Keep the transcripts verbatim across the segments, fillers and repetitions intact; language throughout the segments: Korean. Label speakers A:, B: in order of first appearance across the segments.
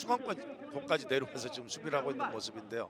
A: 중앙권까지 내려와서 지금 수비를 하고 있는 모습인데요.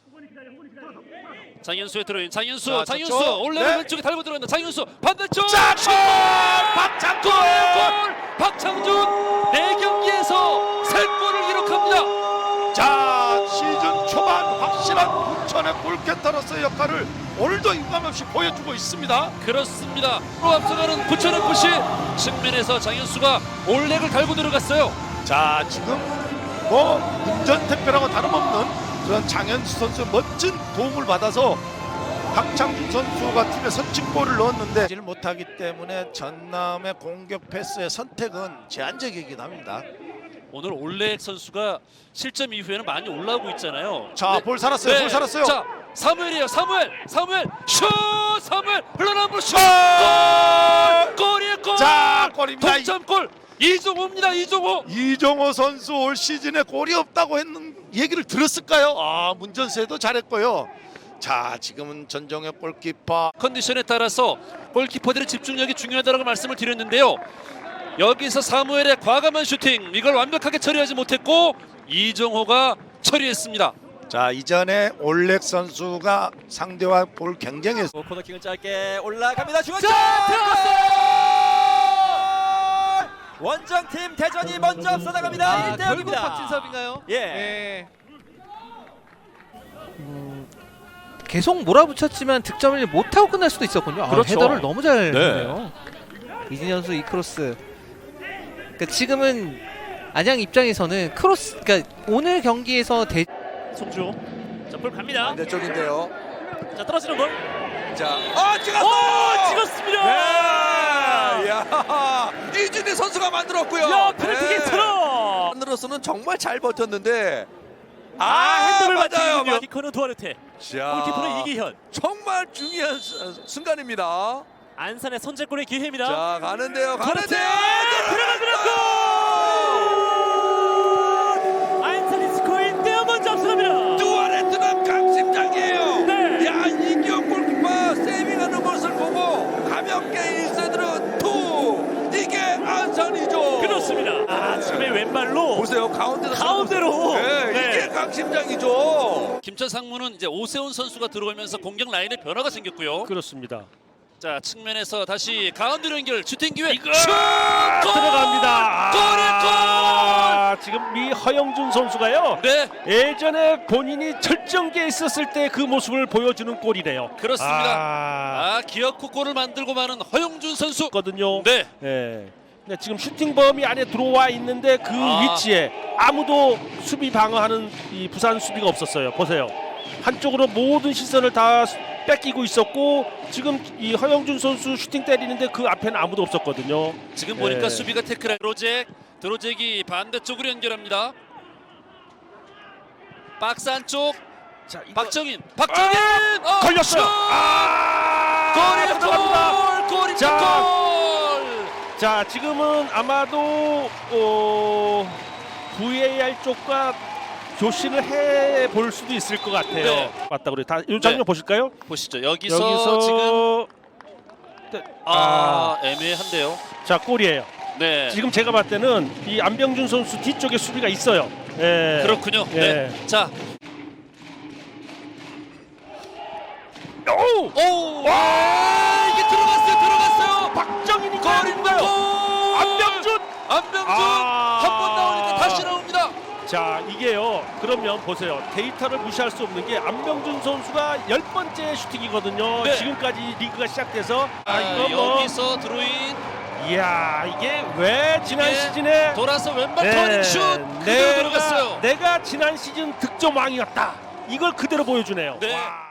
B: 장현수의 드로인, 장현수,
A: 자,
B: 장현수
A: 저쪽.
B: 올레를
A: 네.
B: 왼쪽에 달고 들어간다. 장현수 반대쪽
A: 자,
B: 슛!
A: 박창준!
B: 골! 박창준 네 경기에서 세 골을 기록합니다.
A: 자, 시즌 초반 확실한 부천의 골캐터로서의 역할을 오늘도 유감없이 보여주고 있습니다.
B: 그렇습니다. 로 앞서가는 부천에프씨 측면에서 장현수가 올렉을 달고 들어갔어요.
A: 자, 지금 뭐 운전tem표라고 다름없는 그런 장현수 선수의 멋진 도움을 받아서 박창준 선수가 팀에 선취골을 넣었는데 질 못하기 때문에 전남의 공격 패스의 선택은 제한적이긴 합니다.
B: 오늘 올렉 선수가 실점 이후에는 많이 올라오고 있잖아요.
A: 자,
B: 네.
A: 볼 살았어요.
B: 네.
A: 볼 살았어요.
B: 자, 사무엘이에요. 사무엘, 사무엘 슛! 사무엘 흘러나온 볼 슛! 골! 골이에요, 골!
A: 자, 골입니다.
B: 동점골 이종호입니다. 이종호.
A: 이종호 선수 올 시즌에 골이 없다고 했는 얘기를 들었을까요? 아, 문전세도 잘했고요. 자, 지금은 전정혁 골키퍼
B: 컨디션에 따라서 골키퍼들의 집중력이 중요하다고 말씀을 드렸는데요. 여기서 사무엘의 과감한 슈팅 이걸 완벽하게 처리하지 못했고 이종호가 처리했습니다.
A: 자, 이전에 올렉 선수가 상대와 볼 경쟁에서
C: 코너킥은 짧게 올라갑니다. 중앙
B: 자, 들어갔어요.
C: 원정팀 대전이 먼저 앞서 나갑니다.
D: 아,
C: 일 대
D: 결국
C: 영입니다.
D: 박진섭인가요?
C: 예.
D: 예. 음, 계속 몰아붙였지만 득점을 못하고 끝날 수도 있었군요. 아,
B: 그렇죠.
D: 헤더를 너무 잘
B: 네.
D: 했네요. 이진현 선수 이 크로스. 그러니까 지금은 안양 입장에서는 크로스, 그러니까 오늘 경기에서 대
B: 송주. 자, 볼 갑니다.
C: 반대쪽인데요.
B: 자, 떨어지는 볼.
C: 자, 아 찍었어!
B: 오, 찍었습니다.
C: 네. 야, 이준희 선수가 만들었고요.
B: 야, 페널티
C: 네.
B: 킥으로.
C: 만들어서는 정말 잘 버텼는데.
B: 아, 핸드를
C: 맞아요.
B: 맞추군요. 키커는 두아르테.
C: 자,
B: 골키퍼는 이기현.
C: 정말 중요한 수- 순간입니다.
B: 안산의 선제골의 기회입니다.
C: 자, 가는데요.
B: 그렇지.
C: 가는데요.
B: 들어가 들어가. 안산이 스코어 일 대 영 먼저 앞서갑니다.
C: 두아레트는 강심장이에요.
B: 네.
C: 야, 이기현 골키퍼 세이빙하는 모습을 보고 가볍게 일 세트로 투. 이게 안산이죠.
B: 그렇습니다. 아, 지금의 왼발로
C: 보세요. 가운데로
B: 가운데로.
C: 네,
B: 네.
C: 이게 강심장이죠.
B: 김천 상무는 이제 오세훈 선수가 들어오면서 공격 라인에 변화가 생겼고요.
E: 그렇습니다.
B: 자, 측면에서 다시 가운데로 연결 슈팅 기회.
E: 이거
B: 슛! 골!
E: 들어갑니다.
B: 골이에요,
E: 아, 지금 이 허영준 선수가요.
B: 골! 네,
E: 예전에 본인이 절정기에 있었을 때 그 모습을 보여주는 골이래요.
B: 그렇습니다.
E: 아,
B: 아, 기어코 골을 만들고 마는 허용준 선수.
E: 거든요.
B: 네.
E: 예. 근데 지금 슈팅 범위 안에 들어와 있는데 그
B: 아.
E: 위치에 아무도 수비 방어하는 이 부산 수비가 없었어요. 보세요. 한쪽으로 모든 시선을 다 뺏기고 있었고 지금 이 허영준 선수 슈팅 때리는데 그 앞에는 아무도 없었거든요.
B: 지금 보니까
E: 예.
B: 수비가 태클. 드로잭, 드로잭이 반대쪽으로 연결합니다. 박스 안쪽.
E: 자, 이거
B: 박정인, 박정인. 어,
E: 걸렸어요.
B: 슛!
E: 아,
B: 골이에요,
E: 들어갑니다.
B: 골! 골입니다,
E: 자.
B: 골!
E: 자, 지금은 아마도 어, 브이에이알 쪽과 교신을 해 볼 수도 있을 것 같아요.
B: 네.
E: 맞다 그래. 다 이 장면
B: 네.
E: 보실까요?
B: 보시죠. 여기서,
E: 여기서
B: 지금
E: 네.
B: 아, 애매한데요.
E: 자, 골이에요.
B: 네.
E: 지금 제가 봤을 때는 이 안병준 선수 뒤쪽에 수비가 있어요. 예.
B: 그렇군요.
E: 예.
B: 네. 자,
E: 오!
B: 오! 와! 이게 들어갔어요. 들어갔어요.
E: 박정인이
B: 골입니다. 골!
E: 안병준!
B: 안병준
E: 아.
B: 한 번 나오니까 다시 나옵니다.
E: 자, 이게요. 그러면 보세요. 데이터를 무시할 수 없는 게 안병준 선수가 열 번째 슈팅이거든요.
B: 네.
E: 지금까지 리그가 시작돼서
B: 아,
E: 이거 뭐
B: 여기서 드로인
E: 이야, 이게 왜 지난
B: 이게
E: 시즌에
B: 돌아서 왼발
E: 네,
B: 터닝 슛 그대로 들어갔어요.
E: 내가 지난 시즌 득점 왕이었다. 이걸 그대로 보여주네요.
B: 네.
E: 와.